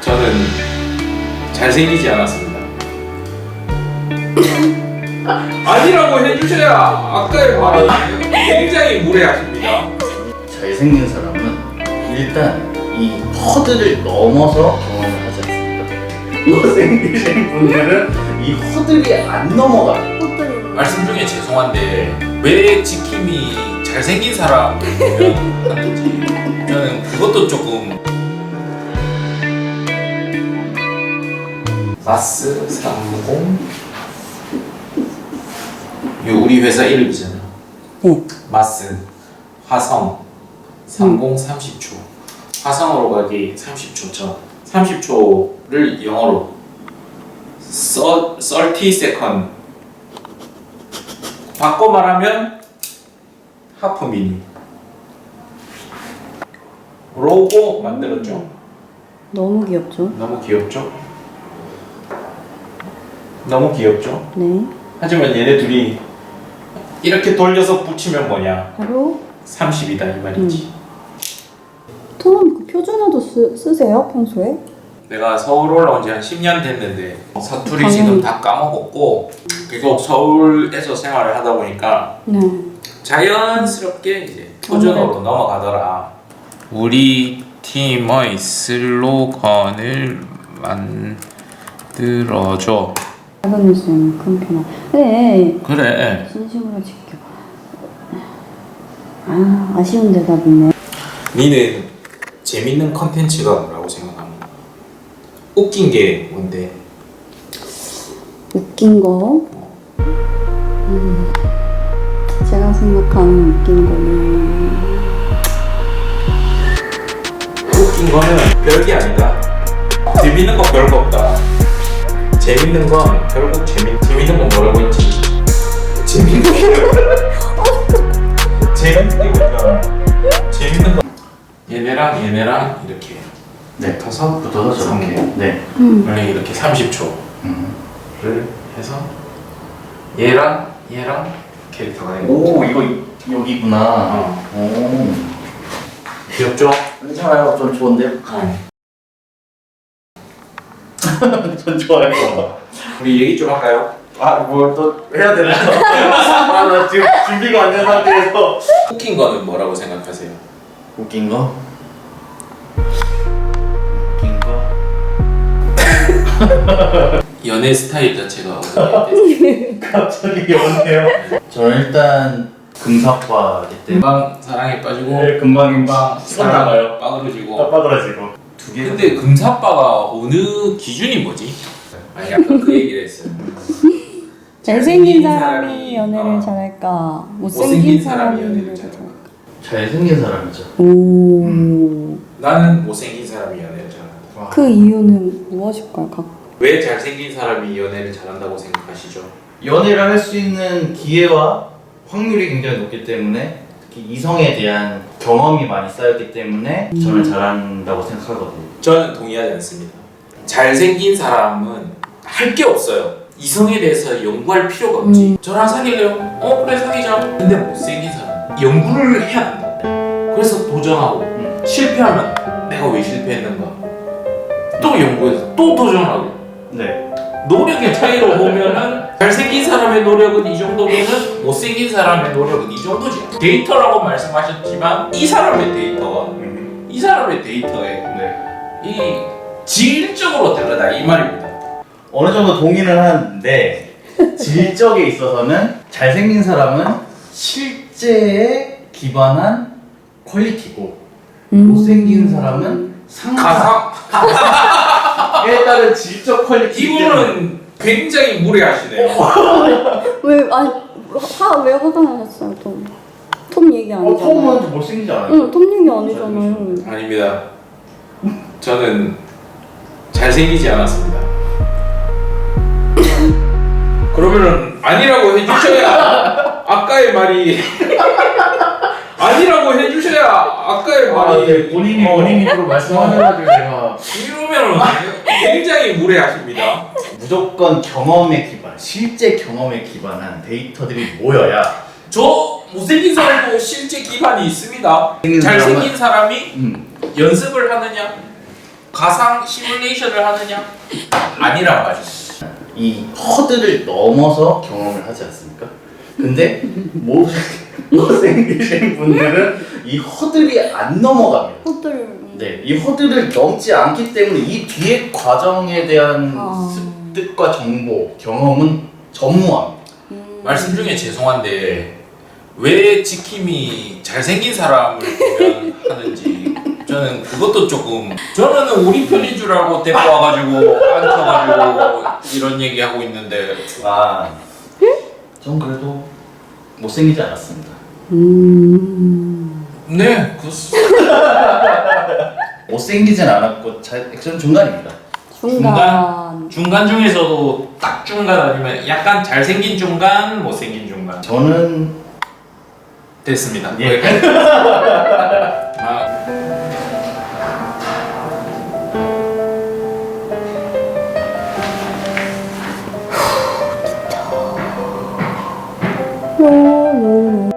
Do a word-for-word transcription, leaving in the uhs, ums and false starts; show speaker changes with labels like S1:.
S1: 저는 잘생기지 않았습니다. 아니라고 해주셔야 아까의 말이 굉장히 무례하십니다.
S2: 잘생긴 사람은 일단 이 허들을 넘어서 경험을 하지 않습니다. 못생기신 분들은 이 허들이 안 넘어가요.
S1: 말씀 중에 죄송한데 왜 지킴이 잘생긴 사람을 하는지 저는 그것도 조금. 마스 삼십 요 우리 회사 이름이잖아.
S3: 네.
S1: 마스 화성 삼십 삼십 초 화성으로 가기 삼십 초 전 삼십 초를 영어로 삼십 세컨드 바꿔 말하면 하프 미니 로고 만들었죠.
S3: 너무 귀엽죠?
S1: 너무 귀엽죠? 너무 귀엽죠?
S3: 네.
S1: 하지만 얘네 둘이 이렇게 돌려서 붙이면 뭐냐?
S3: 바로
S1: 삼십이다 이 말이지.
S3: 톰 그 표준어도 쓰, 쓰세요 평소에?
S1: 내가 서울 올라온 지 한 십 년 됐는데 사투리
S3: 당연히.
S1: 지금 다 까먹었고 그리고 서울에서 생활을 하다 보니까
S3: 네.
S1: 자연스럽게 이제 표준어로 넘어가더라. 우리 팀의 슬로건을 만들어줘.
S3: 작은 뉴스는 큰 편아. 네.
S1: 그래.
S3: 진심으로 지켜. 아 아쉬운 대답이네.
S1: 니는 재밌는 컨텐츠가 뭐라고 생각합니까? 웃긴 게 뭔데?
S3: 웃긴 거. 음, 제가 생각하는 웃긴 거는
S1: 웃긴 거는 별게 아니다. 재밌는 거 별거 없다. 재밌는 건 결국 재미 재밌는 건 뭐라고 했지? 재밌는 거 재밌는 게 뭔가 재밌는 거 얘네랑 얘네랑 이렇게
S2: 네,
S1: 붙어서
S2: 붙어서 저렇게. 네.
S3: 음.
S1: 원래 이렇게 삼십 초를
S2: 음.
S1: 해서 얘랑 얘랑 캐릭터가 되는
S2: 오,
S1: 거죠.
S2: 이거 여기구나.
S1: 어.
S2: 오.
S1: 귀엽죠?
S2: 괜찮아요. 전 좋은데요.
S1: 어.
S2: 전 좋아요.
S1: 우리 얘기 좀 할까요?
S2: 아, 뭐 또 해야 되나요? 아, 나 지금 준비가 안 된 상태에서.
S1: 웃긴 거는 뭐라고 생각하세요?
S2: 웃긴 거? 웃긴 거?
S1: 연애 스타일 자체가 어떻게
S2: 갑자기 연애요? 저는 일단 금사과이기 때문에
S1: 금방 사랑에 빠지고
S2: 네, 금방
S1: 금방
S2: 손 나가요.
S1: 빠그러지고.
S2: 빠그러지고 두 개.
S1: 근데 금사빠가 어느 기준이 뭐지? 아니 약간 그 얘기를 했어요.
S3: 잘생긴
S1: 잘생긴
S3: 사람이
S1: 사람이,
S3: 연애를
S1: 어.
S3: 잘할까?
S1: 못생긴
S3: 못생긴
S1: 사람이
S3: 사람이
S1: 연애를
S3: 연애를
S1: 잘할까?
S3: 잘할까?
S2: 잘생긴 사람이죠.
S3: 오.
S1: 나는 못생긴 사람이 연애를 잘한다.
S2: 와.
S3: 그 이유는 무엇일까요? 각
S1: 왜 잘생긴 사람이 연애를 잘한다고 생각하시죠?
S2: 연애를 할 수 있는 기회와 확률이 굉장히 높기 때문에 특히 이성에 대한 경험이 많이 쌓였기 때문에 저는 잘한다고 생각하거든요.
S1: 저는 동의하지 않습니다. 잘생긴 사람은 할 게 없어요. 이성에 대해서 연구할 필요가 없지.
S3: 음.
S1: 저랑 사귈래요? 어 그래 사귀자. 근데 못생긴 사람 연구를 해야 한다. 그래서 도전하고
S2: 음.
S1: 실패하면 내가 왜 실패했는가 또 연구해서 또 도전하고
S2: 네.
S1: 노력의 차이로 보면은 잘생긴 사람의 노력은 이 정도면은 못생긴 사람의 노력은 이 정도지. 데이터라고 말씀하셨지만 이 사람의 데이터와
S2: 음.
S1: 이 사람의 데이터의
S2: 네.
S1: 이 질적으로 다르다 이 말입니다.
S2: 어느 정도 동의는 하는데 질적에 있어서는 잘생긴 사람은 실제에 기반한 퀄리티고
S3: 음.
S2: 못생긴 사람은 상상에
S1: 가상
S2: 따른 질적 퀄리티.
S1: 이분은 굉장히 무례하시네요.
S3: 왜 아니 화왜 화가 나셨어요 톰? 톰 얘기
S2: 어,
S3: 아니잖아요.
S2: 톰은 못생기지 않아요?
S3: 응, 톰 얘기 아니잖아요.
S1: 아닙니다. 저는 잘생기지 않았습니다. 그러면은 아니라고 해주셔야 아까의 말이 아니라고 해주셔야 아까의
S2: 아,
S1: 말이
S2: 네, 본인이
S1: 어,
S2: 본인 입으로 말씀하셔가지고 제가
S1: 이러면은 굉장히 무례하십니다.
S2: 무조건 경험에 기반, 실제 경험에 기반한 데이터들이 모여야
S1: 저 못생긴 사람도 실제 기반이 있습니다.
S2: 생긴
S1: 잘생긴 사람이
S2: 음,
S1: 연습을 하느냐 가상 시뮬레이션을 하느냐? 아니란 말이지.
S2: 이 허들을 넘어서 경험을 하지 않습니까? 근데 못, 못생기신 분들은 이 허들이 안 넘어갑니다.
S3: 호들.
S2: 네, 이 허들을 넘지 않기 때문에 이 뒤의 과정에 대한
S3: 아.
S2: 습득과 정보, 경험은 전무합니다.
S3: 음.
S1: 말씀 중에 죄송한데 왜 지킴이 잘생긴 사람을 보면 하는지 저는 그것도 조금 저는 우리 편인 줄 알고 데리고 와가지고 앉혀가지고 이런 얘기하고 있는데
S2: 아, 전 그래도 못생기지 않았습니다.
S3: 음.
S1: 네, 그
S2: 못생기진 않았고 잘, 전 중간입니다.
S3: 중간.
S1: 중간 중에서도 딱 중간 아니면 약간 잘생긴 중간, 못생긴 중간
S2: 저는
S1: 됐습니다.
S2: 예.
S1: 아,
S3: 요, 요, 요.